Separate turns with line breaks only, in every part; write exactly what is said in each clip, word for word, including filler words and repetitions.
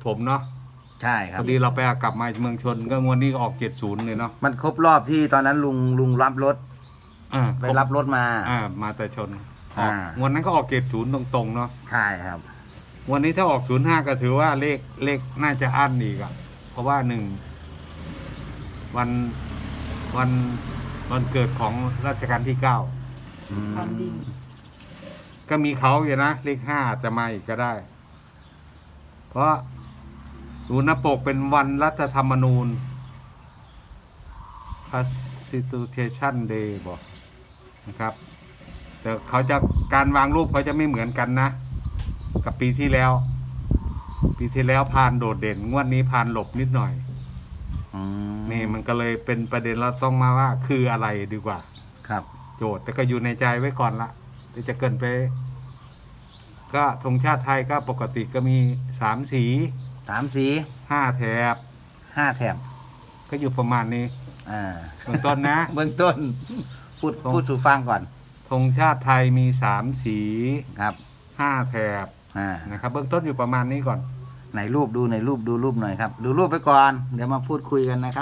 ผมเนาะ
ใช่ครั
พ
บ
อดีเราไปกลับมาเมืองชนก็งวดนี้ก็ออกเจ็ดศูนย์เลยเนาะ
มันครบรอบที่ตอนนั้นลุงลุงรับรถ
อ่า
ไปรับรถมา
อ่ามาแต่ชนออก
อ่า
วันนั้นก็ออกเจ็ดศูนย์ตรงๆเนาะ
ใช่ครับ
วันนี้ถ้าออกศูนย์ห้าก็ถือว่าเลขเลขน่าจะอั้นอีกอะเพราะว่าหนึ่งวันวันวันเกิดของรัชกาลที่เก้า
อืม
ฟันดิน
ก็มีเขาอยู่นะเลขห้าจะมาอีกก็ได้ เพราะดูหน้าปกเป็นวันรัฐธรรมนูญ Constitution Day บอกนะครับ แต่เขาจะการวางรูปเขาจะไม่เหมือนกันนะ กับปีที่แล้ว ปีที่แล้วพานโดดเด่น งวดนี้พานหลบนิดหน่อย
อืม
นี่มันก็เลยเป็นประเด็นเราต้องมาว่าคืออะไรดีกว่า
ครับ
โจทย์แต่ก็อยู่ในใจไว้ก่อนละเดี๋ยวจะเกินไป ก็ธงชาติไทยก็ปกติก็มีสามสี
สามสี
ห้าแถบ
ห้าแถบ
ก็อยู่ประมาณนี้
อ่า
เบื้องต้นนะ
เบื้องต้น พูดพูดสู่ฟังก่อน
ธงชาติไทยมีสามสี
ครับ
ห้าแถบ
อ่า
นะครับ เบื้องต้นอยู่ประมาณนี้ก่อน
ไหนรูปดูไหนรูปดูรูปหน่อยครับ ดูรูปไปก่อน เดี๋ยวมาพูดคุยกันนะครับ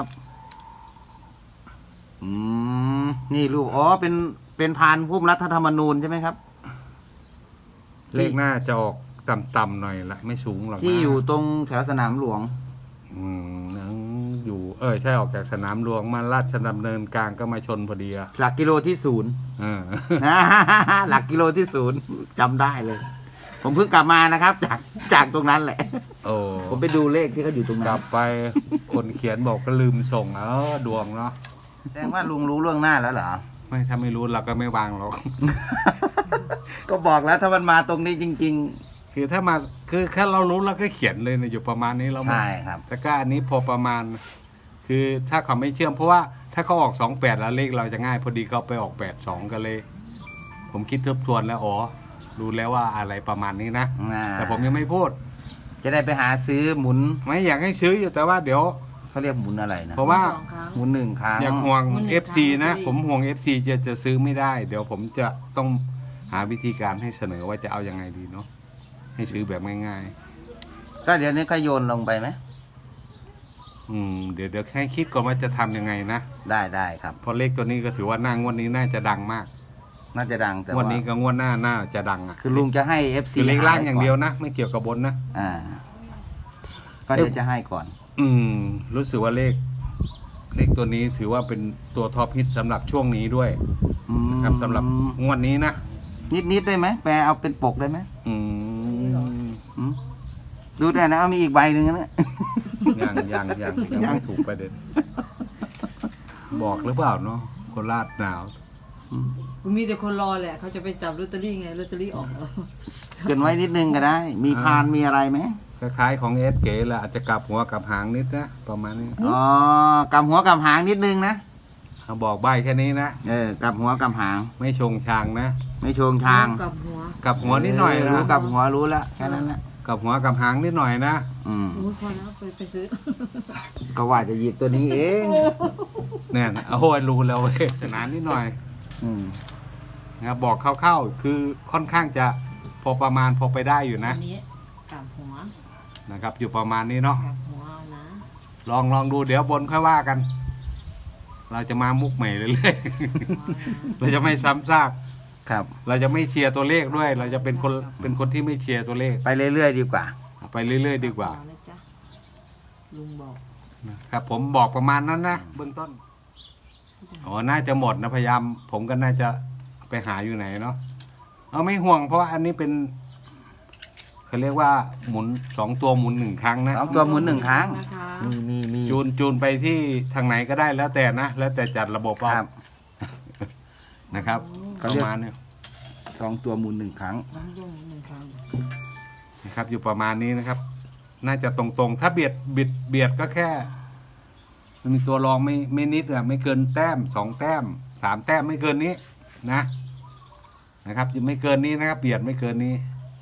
อืมนี่รูปอ๋อเป็นเป็นพานผู้รัฐธรรมนูญใช่ไหมครับ
เลขหน้าจะออกต่ำๆหน่อยละไม่สูงหรอกนะ
ที่อยู่ตรงแถวสนามหลวง
อืมนั่งอยู่ เออใช่ออกจากสนามหลวงมาราชดำเนินกลางก็มาชนพอดีอะ
หลักกิโลที่ศูนย์
เออ
หลักกิโลที่ศูนย์จำได้เลย ผมเพิ่งกลับมานะครับ จากจากตรงนั้นแหละ
โอ้
ผมไปดูเลขที่เขาอยู่ตรง
ก
นั้
ลั
น
บไปคนเขียนบอกก็ลืมส่งเออดวงเนาะ
แสดงว่าลุงรู้ล่วงหน้าแล้วเหรอ
ไม่ถ้าไม่รู้เราก็ไม่วางหรอก
ก็บอกแล้วถ้ามันมาตรงนี้จริง
คือถ้ามาคือแค่เรารู้เราก็เขียนเลยนะอยู่ประมาณนี้เรา
ๆ ใช่ครับ
แต่ก็อันนี้พอประมาณ คือถ้าเขาไม่เชื่อมเพราะว่าถ้าเขาออกสองแปดแล้วเลขเราจะง่าย พอดีเขาไปออกแปดสองก็เลย ผมคิดทบทวนแล้วอ๋อรู้แล้วว่าอะไรประมาณนี้นะ
อ่า
แต่ผมยังไม่พูด
จะได้ไปหาซื้อหมุน
ไม่อยากให้ซื้ออยู่แต่ว่าเดี๋ยว
เขาเรียกหมุนอะไรนะ
เพราะว่า
สองครั้ง
หมุนหนึ่งครั้ง
อยากห่วง
มันหนึ่ง
เอฟ ซี
ครั้ง
นะ
พอดี
ผมห่วง เอฟ ซี จะจะซื้อไม่ได้ เดี๋ยวผมจะต้องหาวิธีการให้เสนอว่าจะเอายังไงดีเนาะให้ซื้อแบบง่าย
ก็เดี๋ยวนี้ก็โยนลงไปไหม
ๆอืมเดี๋ยวเดี๋ยวให้คิดก่อนว่าจะทำยังไงนะ
ได้ได้ครับ
เพราะเลขตัวนี้ก็ถือว่าหน้างวดนี้น่าจะดังมาก
น่าจะดังแต่
งว
ว่า
ดนี้กับงวดหน้าน่าจะดังอ่ะ
คือลุงจะให้ เอฟ ซี
คือเลขล่างอย่างเดียวนะ ไม่เกี่ยวกับบนนะ
อ่า ก็เดี๋ยวจะให้ก่อน
อืม รู้สึกว่าเลข เลขตัวนี้ถือว่าเป็นตัวท็อปฮิตสำหรับช่วงนี้ด้วย
อืม
ครับสำหรับงวดนี้นะ
นิดนิดๆได้ไหมแปลเอาเป็นปกได้ไหม
อืม
อืมดูได้นะเอามีอีกใบหนึ่งนะ
ยังยังยังยัง
ยัง
ไม่ถูกประเด็น บอกหรือเปล่าเนาะโคราชหนาว
อืม
มีแต่คนรอแหละเขาจะไปจับลอตเตอรี่ไงลอตเตอรี่ออกแล้ว
เกินไว้นิดนึงก็ได้ มีพานมีอะไรไหม
คล้ายๆของเอสเก๋แหละอาจจะกลับหัวกลับหางนิดนะประมาณนี้
อ๋อกำหัวกำหางนิดนึงนะ
เอาบอกใบแค่นี้นะ
เออกำหัวกำหาง
ไม่ชงชางนะ
ไม่โชงทาง
กับหัว
กลับหัวนิดหน่อย
เรู้
นะ
กำหัวรู้แล้วแค่นั้นนะ
กลับหัวกลับหางนิดหน่อยนะ
อืม
โอ้ยพอแล้วไปไปซื้อ
ก็ว่าจะหยิบตัวนี้เอง
เนี่ยนะโอ้ยรู้แล้วเว้ยสนานนิดหน่อย
อืม
นะครับบอกคร่าวๆคือค่อนข้างจะพอประมาณพอไปได้อยู่นะ
อันนี้กับหัว
นะครับ อยู่ประมาณนี้เนาะ
กับหัวนะ
ลองลองดูเดี๋ยวบนค่อยว่ากัน เราจะมามุกใหม่เรื่อยๆ เราจะไม่ซ้ำซาก
ครับ
เราจะไม่เชียร์ตัวเลขด้วย เราจะเป็นคนเป็นคนที่ไม่เชียร์ตัวเลข
ไปเรื่อยๆดีกว่า
ไปเรื่อยๆดีกว่า
เอนะจ๊ะลุงบอก
ครับผมบอกประมาณนั้นนะเบื้องต้นอ๋อน่าจะหมดนะพยายาม ผมก็น่าจะไปหาอยู่ไหนเนาะเอาไม่ห่วงเพราะว่าอันนี้เป็นเขาเรียกว่าหมุนสองตัวหมุนหนึ่งครั้งนะ
สองตัวหมุนหนึ่งครั้ง
นะคะ
มีมีมี
จูนจูนไปที่ทางไหนก็ได้แล้วแต่นะแล้วแต่จัดระบบเอา
ครับ
นะครับ
เขา
ประ
เรียก
มาณนี้
สองตัวหมุนหนึ่งครั้ง
น้องย่งหนึ่งครั้ง
นะครับ อยู่ประมาณนี้นะครับ น่าจะตรงๆ ถ้าเบียดบิดเบียดก็แค่มันมีตัวรองไม่ไม่นิดอะไม่เกินแต้มสองแต้มสามแต้มไม่เกินนี้นะนะครับไม่เกินนี้นะครับ เบียดไม่เกินนี้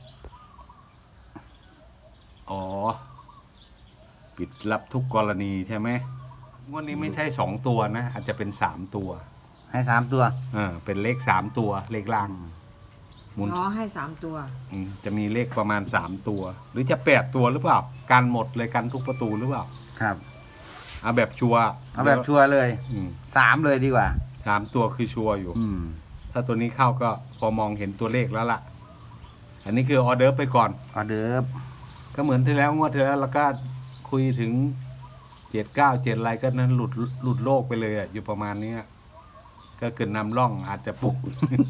อ๋อปิดรับทุกกรณีใช่ไหมงวดนี้ไม่ใช่สองตัวนะอาจจะเป็นสามตัว
ให้สามตัว
เออเป็นเลขสามตัวเลขล่างหมุน
อ๋อให้สามตัว
อืมจะมีเลขประมาณสามตัว หรือจะแปดตัวหรือเปล่ากันหมดเลยกันทุกประตูหรือเปล่า
ครับ
เอาแบบชัวร์
เอาแบบชัวร์เลย
อืม
สามเลยดีกว่า
สามตัวคือชัวร์อยู่
อืม
ถ้าตัวนี้เข้าก็พอมองเห็นตัวเลขแล้วล่ะ อันนี้คือออเดอร์ฟไปก่อน
ออเดิร์ฟ
ก็เหมือนที่แล้วงวดที่แล้วเราก็คุยถึงเจ็ดเก้าเจ็ดอะไรก็นั้นหลุดหลุดโลกไปเลยอะอยู่ประมาณเนี้ยก็เกิดนำร่องอาจจะปลุก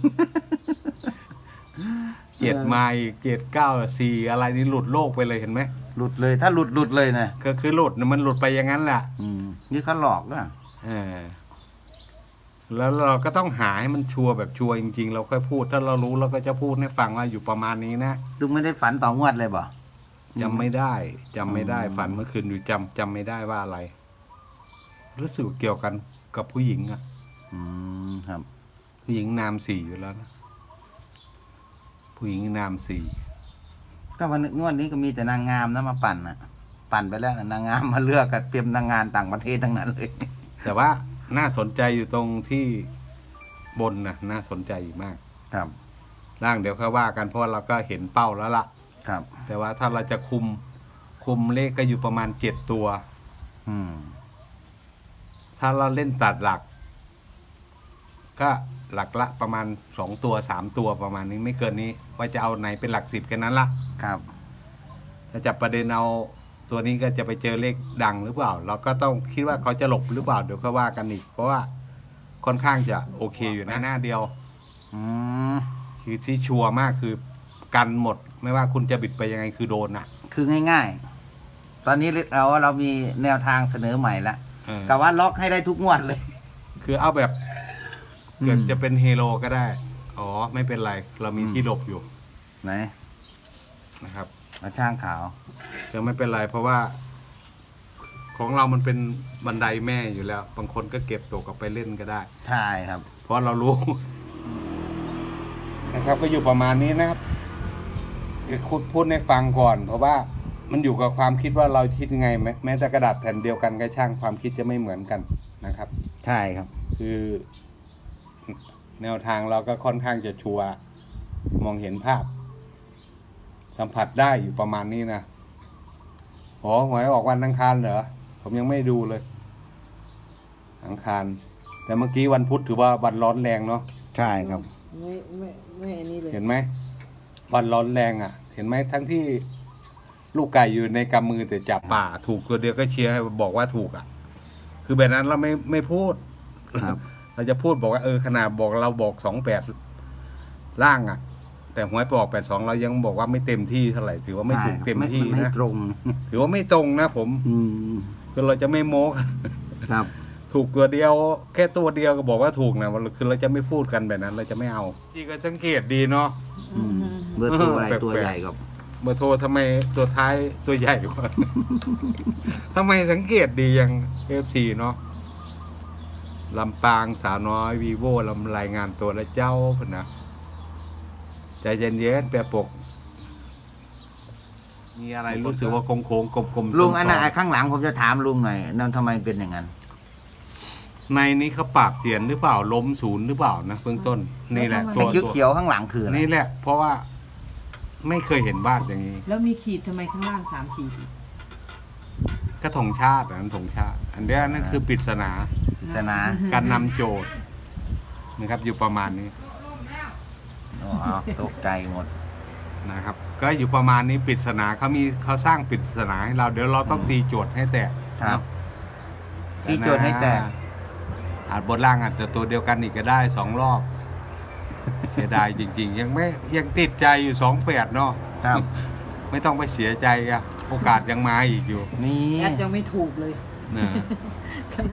เจ็ดมาอีกเจ็ดเก้าสี่อะไรนี่หลุดโลกไปเลยเห็นไหม
หลุดเลย ถ้าหลุดหลุดเลยนะ
ก็คือหลุดน่ะมันหลุดไปอย่างนั้นแหละ
อืม นี่เขาหลอกอ่ะ
เออแล้วเราก็ต้องหาให้มันชัวร์แบบชัวร์จริงๆ เราค่อยพูด ถ้าเรารู้เราก็จะพูดให้ฟังว่าอยู่ประมาณนี้นะ
ลุงไม่ได้ฝันต่องวดเลยบ่
จำไม่ได้จำไม่ได้
อืม
ฝันเมื่อคืนอยู่จำจำไม่ได้ว่าอะไร รู้สึกเกี่ยวกันกับผู้หญิงอะ
อืม ครับ
ผู้หญิงนามสี่อยู่แล้วนะผู้หญิงนามสี่
ก็วันงวดนี้ก็มีแต่นางงามนะมาปั่นอ่ะ ปั่นไปแล้วนะนางงามมาเลือกกันเตรียมนางงานต่างประเทศทั้งนั้นเลย
แต่ว่าน่าสนใจอยู่ตรงที่บนนะน่าสนใจอยู่มาก
ครับ
ล่างเดี๋ยวค่อยว่ากันเพราะว่าเราก็เห็นเป้าแล้วล่ะ
ครับ
แต่ว่าถ้าเราจะคุมคุมเลขก็อยู่ประมาณเจ็ดตัว
อืม
ถ้าเราเล่นตัดหลัก ก็หลักละประมาณสองตัวสามตัวประมาณนี้ไม่เกินนี้ ว่าจะเอาไหนเป็นหลักสิบแค่นั้นละ
ครับ
ถ้าจับประเด็นเอาตัวนี้ก็จะไปเจอเลขดังหรือเปล่า เราก็ต้องคิดว่าเขาจะหลบหรือเปล่าเดี๋ยวก็ว่ากันอีก เพราะว่าค่อนข้างจะโอเคอยู่นะหน้าเดียว
อืม
คือที่ชัวร์มากคือกันหมด ไม่ว่าคุณจะบิดไปยังไงคือโดนอ่ะ
คือง่ายๆ ตอนนี้เราเรามีแนวทางเสนอใหม่แล้ว
เออ
กับว่าล็อกให้ได้ทุกงวดเลย
คือเอาแบบเกิด
อืม
จะเป็นเฮโร่ก็ได้ อ๋อไม่เป็นไร เรามี
อืม
ที่หลบอยู่
ไหน
นะครับ
มาช่างขาว
จะไม่เป็นไรเพราะว่า ของเรามันเป็นบันไดแม่อยู่แล้ว บางคนก็เก็บตกกลับไปเล่นก็ได้
ใช่ครับ
เพราะเรารู้ นะครับ ก็อยู่ประมาณนี้นะครับคือพูดพูดให้ฟังก่อน เพราะว่ามันอยู่กับความคิดว่าเราคิดยังไงแม้แม้แต่กระดาษแผ่นเดียวกันก็ช่างความคิดจะไม่เหมือนกันนะครับ
ใช่ครับ
คือแนวทางเราก็ค่อนข้างจะชัวร์มองเห็นภาพ สัมผัสได้อยู่ประมาณนี้นะอ๋อหวยออกวันอังคารเหรอผมยังไม่ดูเลย อังคาร แต่เมื่อกี้วันพุธถือว่าวันร้อนแรงเนาะ
ใช่ครับ
ไม่ไม่ไม่อันนี้เลย
เห็นไหมวันร้อนแรงอ่ะ เห็นไหมทั้งที่ลูกไก่อยู่ในกำมือแต่จับป่า ถูกตัวเดียวก็เชียร์ให้บอกว่าถูกอ่ะ คือแบบนั้นเราไม่ไม่พูด
ครับ
เราจะพูดบอกว่าเออขนาดบอกเราบอกสองแปดล่างอ่ะ แต่หวยไปออกแปดสองเรายังบอกว่าไม่เต็มที่เท่าไหร่ถือว่าไม่ถูกเต็มที่
ไไม่
นะ
ตรง
ถือว่าไม่ตรงนะผม
อืม
คือเราจะไม่โม้กัน
ครับ
ถูกตัวเดียว แค่ตัวเดียวก็บอกว่าถูกนะคือเราจะไม่พูดกันแบบนั้น เราจะไม่เอาที่ก็สังเกตดีเนาะ
อืมเบอร์ตัวอะไร
แปลกๆ
ตัวใหญ่กับ
เบอร์โทรทำไมตัวท้ายตัวใหญ่กว่า ทำไมสังเกตดีอย่างเอฟซีเนาะลำปางสาวน้อยวีโวลำรายงานตัวและเจ้าพนนะใจเย็นๆแปรปก มีอะไรรู้สึกว่าโค้งๆกลมๆ
ลุงอัน
ซ้
นั้น
ๆ
ไอ้ข้างหลังผมจะถามลุงหน่อยนั่นทำไมเป็นอย่างนั้น
ในนี้เขาปราบเสียนหรือเปล่าล้มศูนย์หรือเปล่านะเบื้องต้น นี่แหละ
ไอ้
ตัวตัว
เขียวๆข้างหลังคืออะไร
นี่แหละ เพราะว่าไม่เคยเห็นบ้านอย่างนี้
แล้วมีขีดทำไมข้างล่างสามขีด
ก็ธงชาติอันนธงชาติ อันเนี้ยนั่นคือปริศนา
ปริศนา
การนำโจทย์นะครับ อยู่ประมาณนี้
อ๋อตกใจหมด
นะครับ ก็อยู่ประมาณนี้ปริศนาเขามีเขาสร้างปริศนาให้เราเดี๋ยวเราต้องตีโจทย์ให้แตก
ครับ
เนาะ
ตีโจทย์ให้แตก
อาจบนล่างอาจจะตัวเดียวกันอีกก็ได้สองรอบ เสียดายจริง ๆ ยังไม่ยังติดใจอยู่สองแปดเนาะ
ครับ
ไม่ต้องไปเสียใจอะโอกาสยังมาอีกอยู่
นี่
แอดยังไม่ถูกเลย
นะ